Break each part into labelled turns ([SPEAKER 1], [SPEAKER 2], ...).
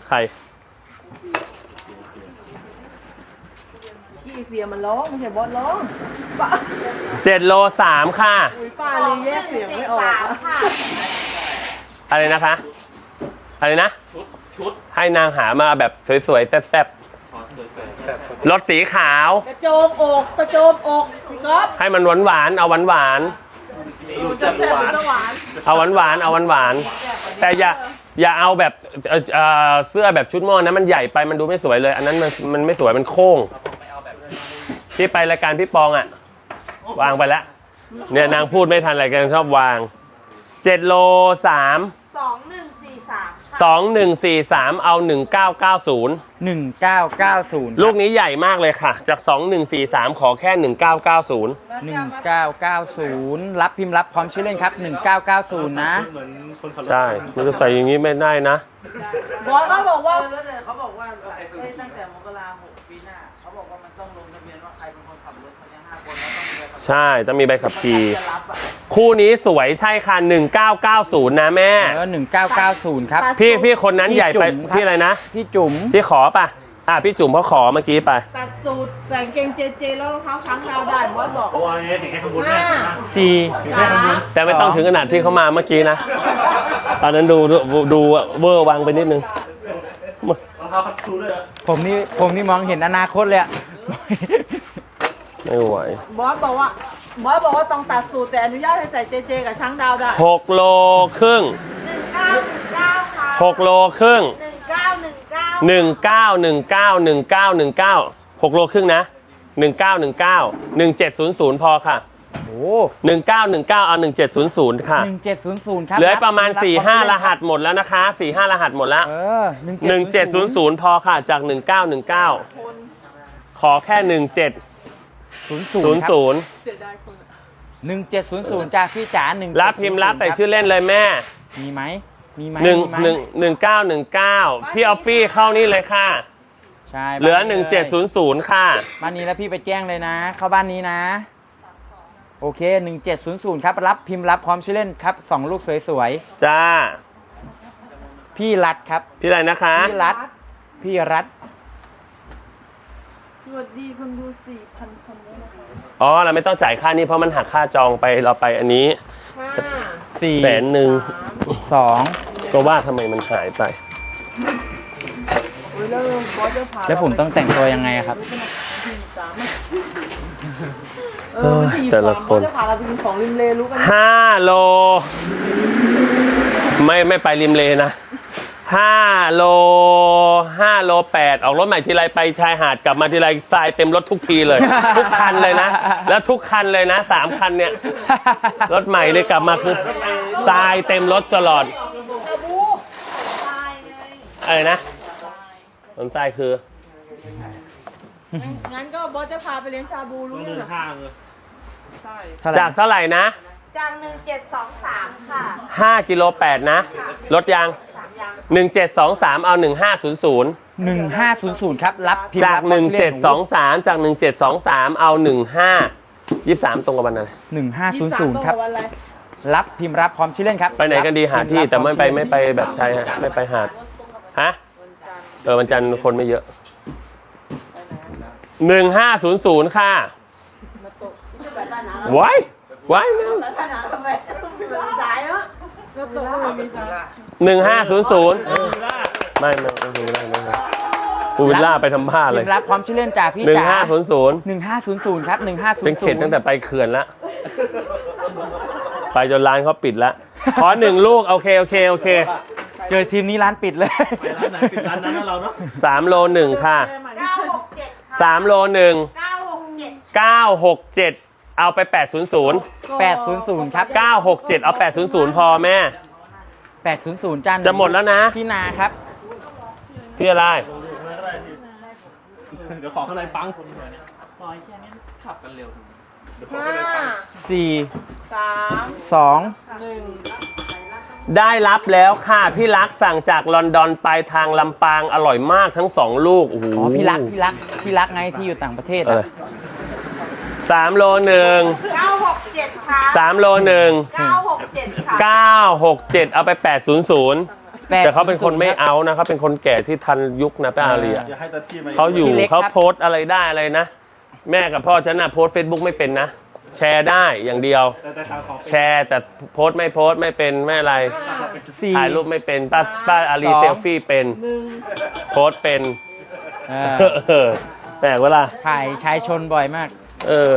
[SPEAKER 1] ใคร
[SPEAKER 2] พี่เฟียมันร้องไม่ใช่บอสร้อง
[SPEAKER 1] 7 โล 3ค่ะ
[SPEAKER 2] ป้าเลยแยกเสียงไม่ออก
[SPEAKER 1] อะไรนะคะอะไรนะชุดให้นางหามาแบบสวยๆแซ่บๆรถสีขาว
[SPEAKER 2] กระโจมอกกระโจมอกพี่ก๊อฟ
[SPEAKER 1] ให้มันหวานๆเอาหวานเอาหวานๆเอาหวานๆแต่อย่าเอาแบบเสื้อแบบชุดหม้อนะมันใหญ่ไปมันดูไม่สวยเลยอันนั้นมันไม่สวยมันโค้งที่ไปรายการพี่ปองอ่ะวางไปแล้วเนี่ยนางพูดไม่ทันอะไรกันชอบวาง7 โล 3 2143เอา1990
[SPEAKER 3] 1990
[SPEAKER 1] ลูกนี้ใหญ่มากเลยค่ะจาก2143ขอแค่1990
[SPEAKER 3] รับพิมพ์รับพร้อมชื่อเล่นครับ1990นะ
[SPEAKER 1] ใช่มันจะใส่อย่างนี้ไม่ได้นะ
[SPEAKER 2] บอสเขาบอกว่าตั้งแต่มกราคมปีหน้าเขาบอกว่ามันต้องลงทะเบียนว่าใครเป็นคนขับรถเขาเนี่ย5 คนแล้วต้องมีใบขับขี่
[SPEAKER 1] ใช่ต้องมีใบขับขี่คู่นี้สวยใช่ค่ะ1990นะแม่
[SPEAKER 3] 1990ครับ
[SPEAKER 1] พี่คนนั้นใหญ่ไปพี่อะไรนะ
[SPEAKER 3] พี่จุ๋ม
[SPEAKER 1] พี่ขอป่ะพี่จุ๋มเขาขอเมื่อกี้ไป
[SPEAKER 2] ตัดสูตรใส่เกงเจแล้วรองเท้าช้างดาวได้บอสบอก
[SPEAKER 4] โอ้ยถึงแค่ขบวนแม่
[SPEAKER 1] 4แต่ไม่ต้องถึงขนาดที่เขามาเมื่อกี้นะตอนนั้นดูเวอร์วังไปนิดนึง
[SPEAKER 3] ผมนี่มองเห็นอนาคตเลย
[SPEAKER 1] ไม่ไหว
[SPEAKER 2] บอสบอกว่าต้องตัดสูตรแต่อนุญาตให้ใส่เจกับช้างดาวได้
[SPEAKER 1] 6 โลครึ่ง6 โลครึ่ง19 6 โลครึ่งนะ19 1700พอค่ะ
[SPEAKER 3] โอ้
[SPEAKER 1] 19เอา1700ค่ะ
[SPEAKER 3] 1700ครับ
[SPEAKER 1] เหลือประมาณ 4-5 รหัสหมดแล้วนะคะ 4-5 รหัสหมดแล้ว1700พอค่ะจาก19ขอแค่
[SPEAKER 3] 1700จากพี่จ๋า
[SPEAKER 1] รับพิมพ์รับแต่ชื่อเล่นเลยแม่
[SPEAKER 3] มีไหม
[SPEAKER 1] 19พี่ออฟฟี่เข้านี่เลยค่ะ
[SPEAKER 3] ใช่
[SPEAKER 1] เหลือ1700ค่ะ
[SPEAKER 3] บ้านนี้แล้วพี่ไปแจ้งเลยนะเข้าบ้านนี้นะโอเค1700ครับรับพิมพ์รับพร้อมชื่อเล่นครับ2 ลูกสวย
[SPEAKER 1] ๆจ้า
[SPEAKER 3] พี่รัฐครับ
[SPEAKER 1] พี่อะไรนะคะ
[SPEAKER 3] พี่รัฐ
[SPEAKER 2] สวัสดีคนดู 4,000 คนด้วยนะคะ
[SPEAKER 1] เราไม่ต้องจ่ายค่านี้เพราะมันหักค่าจองไปเราไปอันนี้100,000 ก็ว่าทำไมมันหายไป
[SPEAKER 3] แล้วผมต้องแต่งตัวยังไงครับ
[SPEAKER 1] แต่ละคน5 โลไม่ไปริมเลนะ5 โล 8ออกรถใหม่ทีไรไปชายหาดกลับมาทีไรทรายเต็มรถทุกทีเลยทุกคันเลยนะแล้วทุกคันเลยนะ3 คันเนี่ยรถใหม่เลยกลับมาคือทรายเต็มรถตลอดอะไรนะต้นทรายคือ
[SPEAKER 2] งั้นก็บอสจะพาไปเลี้ยงชาบูรู้ยัง
[SPEAKER 1] จากเท่าไหร่นะ
[SPEAKER 2] จาก1723ค่ะ
[SPEAKER 1] 5 กิโล 8นะลดยัง1723เอา
[SPEAKER 3] 1500ครับรับพิมพ์
[SPEAKER 1] จาก1723จาก1723เอา23ตรงกับวันอะไร
[SPEAKER 3] 1500ครับรับพิมพ์รับพร้อมชื่อเล่นครับ
[SPEAKER 1] ไปไหนกันดีหาที่แต่ไม่ไปแบบชายไม่ไปหาดวันจันทร์คนไม่เยอะ1500ค่ะไว้1500ไม่พูวิลล่าไปทำผ้าเลย
[SPEAKER 3] รับความชื่อเล่นจากพี่จ๋า1500ครับ1500
[SPEAKER 1] เป็นเข็ดตั้งแต่ไปเขื่อนแล้วไปจนร้านเขาปิดแล้วขอ1 ลูกโอเค
[SPEAKER 3] เจอทีมนี้ร้านปิดเลย
[SPEAKER 4] ไปร้านไหนปิดร้านนั้นเราเนาะ
[SPEAKER 1] 3 โล 1ค่ะ3 โล 1 967เอาไป800
[SPEAKER 3] ครับ
[SPEAKER 1] 967เอา800พอแม่
[SPEAKER 3] 800จัน
[SPEAKER 1] จะหมดแล้วนะ
[SPEAKER 3] พี่นาครับ
[SPEAKER 1] พี่อะไร
[SPEAKER 4] เดี๋ยวขอข้างในปังคนเดียวเนี่ยซอยแค่นี้ขับกันเร็ว
[SPEAKER 3] 5 4 3 2 1
[SPEAKER 1] ได้รับแล้วค่ะพี่รักสั่งจากลอนดอนไปทางลำปางอร่อยมากทั้ง2 ลูกโอ้โห
[SPEAKER 3] พี่รักไงที่อยู่ต่างประเทศ
[SPEAKER 1] 3 โล 1
[SPEAKER 2] 967ค่ะ
[SPEAKER 1] 3 โล 1
[SPEAKER 2] 967ค่ะ
[SPEAKER 1] 967เอาไป800 แต่เขาเป็นคนไม่เอานะเขาเป็นคนแก่ที่ทันยุคนะป้าอารีอะ
[SPEAKER 5] อย่าให้ตาที่มา
[SPEAKER 1] เขาอยู่
[SPEAKER 3] พี่เล็ก
[SPEAKER 1] เขา
[SPEAKER 3] ครับ
[SPEAKER 1] โพสต์อะไรได้อะไรนะ แม่กับพ่อฉันน่ะโพสต์ Facebook ไม่เป็นนะ แชร์ได้อย่างเดียว
[SPEAKER 5] แต่ข่าวของ
[SPEAKER 1] แชร์แต่โพสต์ไม่เป็นไม่อะไร
[SPEAKER 3] สี่
[SPEAKER 1] ถ่ายรูปไม่เป็นป้าอารี
[SPEAKER 3] สอง
[SPEAKER 1] เซลฟี่เป็นโพสต์เป็น
[SPEAKER 3] เออ
[SPEAKER 1] เออแปลกเวลา
[SPEAKER 3] ถ่ายชายชนบ่อยมาก
[SPEAKER 1] เออ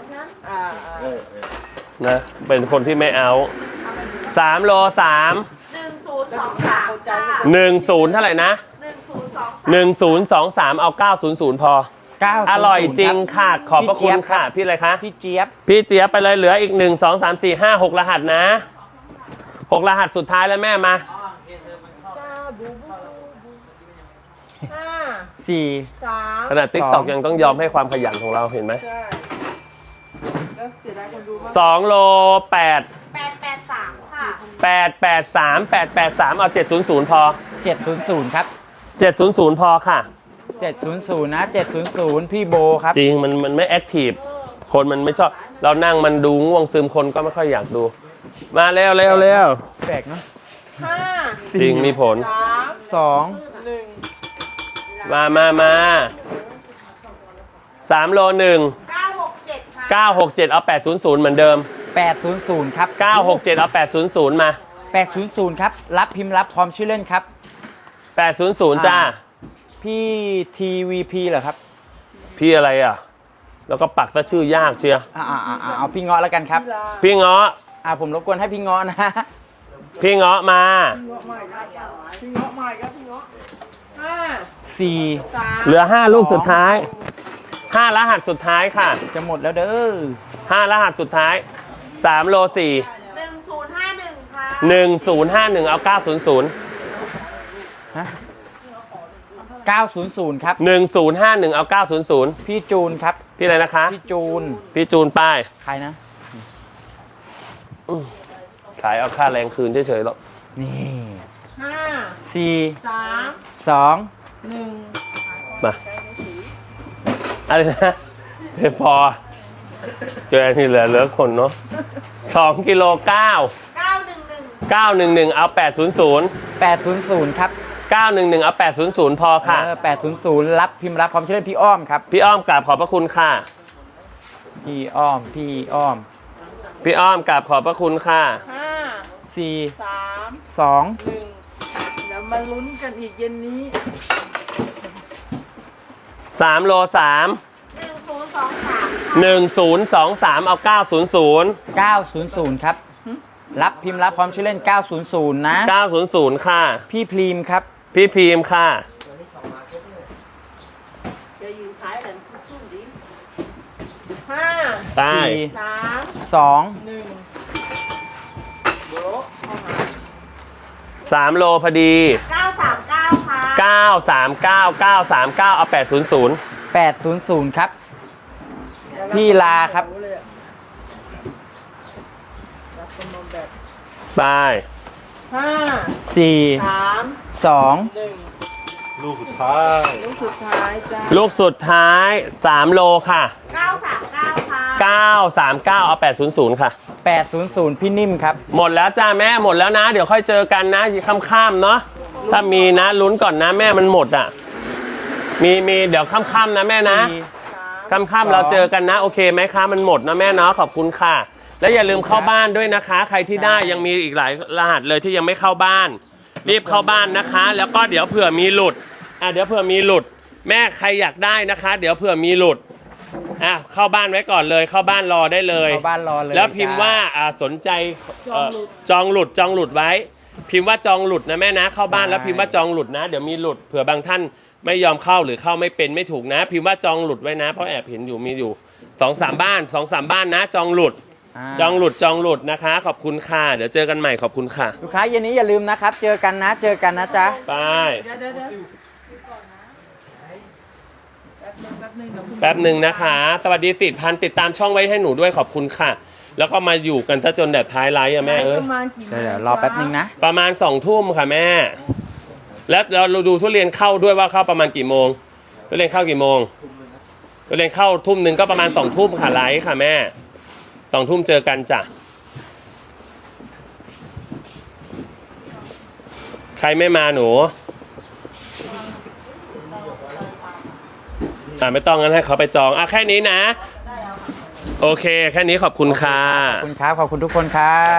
[SPEAKER 1] นะเป็นคนที่ไม่เอา3 โล 3
[SPEAKER 6] 1023จ้า
[SPEAKER 1] 10เท่าไหร่นะ 1023เอา900พอ
[SPEAKER 3] 900
[SPEAKER 1] อร่อยจริง
[SPEAKER 3] คบ
[SPEAKER 1] ค่ะ ขอบพระคุณค่ะ พี่อะไรคะ
[SPEAKER 3] พี่เจี๊ยบ
[SPEAKER 1] พี่เจี๊ยบไปเลยเหลืออีก 1 2 3 4 5 6 รหัสนะ 6 รหัสสุดท้ายแล้วแม่มา
[SPEAKER 3] 4
[SPEAKER 1] ขนาดติ๊กตอกยังต้องยอมให้ความขยันของเราเห็นไหม
[SPEAKER 2] ใช่แล้วเสียดายคนดูมาก
[SPEAKER 1] 2 โล 8
[SPEAKER 6] 883ค่ะ
[SPEAKER 1] 883 883 เอา700พอ
[SPEAKER 3] 700ครับ
[SPEAKER 1] 700พอค่ะ
[SPEAKER 3] 700นะ700พี่โบครับ
[SPEAKER 1] จริงมันไม่แอคทีฟคนมันไม่ชอบ เรานั่งมันดูง่วงซึมคนก็ไม่ค่อยอยากดู มาเร็ว
[SPEAKER 3] แปลกเนาะ
[SPEAKER 1] จริงมีผล
[SPEAKER 3] 2
[SPEAKER 1] มา3 โล 1
[SPEAKER 6] 967ค่ะ
[SPEAKER 1] 967 เอา 800เหมือนเดิม
[SPEAKER 3] 800ครับ
[SPEAKER 1] 967 เอา 800 มา
[SPEAKER 3] 800ครับรับพิมพ์รับพร้อมชื่อเล่นครับ
[SPEAKER 1] 800 จ้า
[SPEAKER 3] พี่ TVP เหรอครับ
[SPEAKER 1] พี่อะไรอ่ะ แล้วก็ปักซะชื่อยากเชียร์
[SPEAKER 3] เอาพี่เงาะแล้วกันครับ
[SPEAKER 1] พี่เงาะ
[SPEAKER 3] ผมรบกวนให้พี่เงาะนะ
[SPEAKER 1] พี่เงาะมา
[SPEAKER 2] พี่เงาะใหม่ครับพี่เงาะ
[SPEAKER 3] 4
[SPEAKER 1] เหลือ 5 ลูกสุดท้าย 5 รหัสสุดท้ายค่ะ
[SPEAKER 3] จะหมดแล้วเด้อ
[SPEAKER 1] 5 รหัสสุดท้าย 3 โล 4
[SPEAKER 6] 1051ค่ะ
[SPEAKER 1] 1051 เอา 900
[SPEAKER 3] ฮะ900ครับ
[SPEAKER 1] 1051 เอา 900
[SPEAKER 3] พี่จูนครับ
[SPEAKER 1] พี่อะไรนะคะ
[SPEAKER 3] พี่จูน
[SPEAKER 1] พี่จูนป้าย
[SPEAKER 3] ใครนะ
[SPEAKER 1] ขายเอาค่าแรงคืนเฉยๆหรอก
[SPEAKER 3] นี่4 2
[SPEAKER 1] มาอะไรนะเพพอเจออันที่เหลือคนเนาะ2 กิโล 9 911 เอา 800
[SPEAKER 3] 800ครับ
[SPEAKER 1] 911 เอา 800 พอค่ะ
[SPEAKER 3] 800รับพิมพ์รับพร้อมชื่อเล่นพี่อ้อมครับ
[SPEAKER 1] พี่อ้อมกราบขอบพระคุณค่ะ
[SPEAKER 3] พี่อ้อม
[SPEAKER 1] พี่อ้อมกราบขอบพระคุณค่ะ
[SPEAKER 3] 4
[SPEAKER 2] 3
[SPEAKER 3] 2
[SPEAKER 2] 1เดี๋ยวมาลุ้นกันอีกเย็นนี้
[SPEAKER 1] 3 โล 3
[SPEAKER 6] 1023
[SPEAKER 1] 1023 เอา 900
[SPEAKER 3] 900ครับ รับพิมพ์รับพร้อมชื่อเล่น 900นะ
[SPEAKER 1] 900 ค่ะ
[SPEAKER 3] พี่พรีมครับ
[SPEAKER 1] พี่พีมค่ะ
[SPEAKER 6] จะอยู่ท้ายหลังชุ่มดิ
[SPEAKER 1] ได้
[SPEAKER 3] 2
[SPEAKER 1] 3 โลพอดี
[SPEAKER 6] 939ค่ะ
[SPEAKER 1] 939 939 เอา 800
[SPEAKER 3] 800ครับ พี่ลาครับ
[SPEAKER 1] ไป
[SPEAKER 3] 4
[SPEAKER 2] 3
[SPEAKER 3] 2
[SPEAKER 2] 1
[SPEAKER 5] ลูกสุดท้าย
[SPEAKER 2] ลูกสุดท้ายจ้า
[SPEAKER 1] ลูกสุดท้าย 3 โลค่ะ
[SPEAKER 6] 939ค่ะ
[SPEAKER 1] 939 เอา 800 ค่ะ
[SPEAKER 3] 800พี่นิ่มครับ
[SPEAKER 1] หมดแล้วจ้าแม่หมดแล้วนะ เดี๋ยวค่อยเจอกันนะค่ำๆเนาะถ้ามีนะลุ้นก่อนนะแม่มันหมดอ่ะมีเดี๋ยวค่ำๆนะแม่นะค่ำๆเราเจอกันนะโอเคไหมคะมันหมดนะแม่เนาะขอบคุณค่ะ แล้วอย่าลืมเข้าบ้านด้วยนะคะ ใครที่ได้ยังมีอีกหลายรหัสเลยที่ยังไม่เข้าบ้าน รีบเข้าบ้านนะคะ แล้วก็เดี๋ยวเผื่อมีหลุดเดี๋ยวเผื่อมีหลุด แม่ใครอยากได้นะคะ เดี๋ยวเผื่อมีหลุดเข้าบ้านไว้ก่อนเลยเข้าบ้านรอได้เลย
[SPEAKER 3] เข้าบ้านรอเลย
[SPEAKER 1] แล้วพิมพ์ว่าสนใจจองหลุดไว้ พิมพ์ว่าจองหลุดนะแม่นะเข้าบ้านแล้วพิมพ์ว่าจองหลุดนะเดี๋ยวมีหลุดเผื่อบางท่านไม่ยอมเข้าหรือเข้าไม่เป็นไม่ถูกนะ พิมพ์ว่าจองหลุดไว้นะเพราะแอบเห็นอยู่มีอยู่ 2-3 บ้าน 2-3 บ้านนะจองหลุดจองหลุดนะคะขอบคุณค่ะเดี๋ยวเจอกันใหม่ขอบคุณค่ะ
[SPEAKER 3] ลูกค้าเย็นนี้อย่าลืมนะครับ เจอกันนะจ๊ะ
[SPEAKER 1] ไป
[SPEAKER 2] เดี๋ยว
[SPEAKER 1] แป๊บหนึ่งนะคะสวัสดี4,000ติดตามช่องไว้ให้หนูด้วยขอบคุณค่ะ แล้วก็มาอยู่กันถ้าจนแบบท้ายไลฟ์อะแม่เอ้ย
[SPEAKER 2] ประมาณกี่โมง
[SPEAKER 3] เดี๋ยวรอแป๊บนึงนะ
[SPEAKER 1] ประมาณ2 ทุ่มค่ะแม่ แล้วเราดูทุเรียนเข้าด้วยว่าเข้าประมาณกี่โมงทุเรียนเข้ากี่โมงทุเรียนเข้าทุ่มหนึ่งก็ประมาณ2 ทุ่มค่ะไลฟ์ค่ะแม่2 ทุ่มเจอกันจ้ะใครไม่มาหนูไม่ต้องงั้นให้เขาไปจองแค่นี้นะ โอเค แค่นี้ขอบคุณค่ะ
[SPEAKER 3] ขอบคุณครับ ขอบคุณทุกคนครับ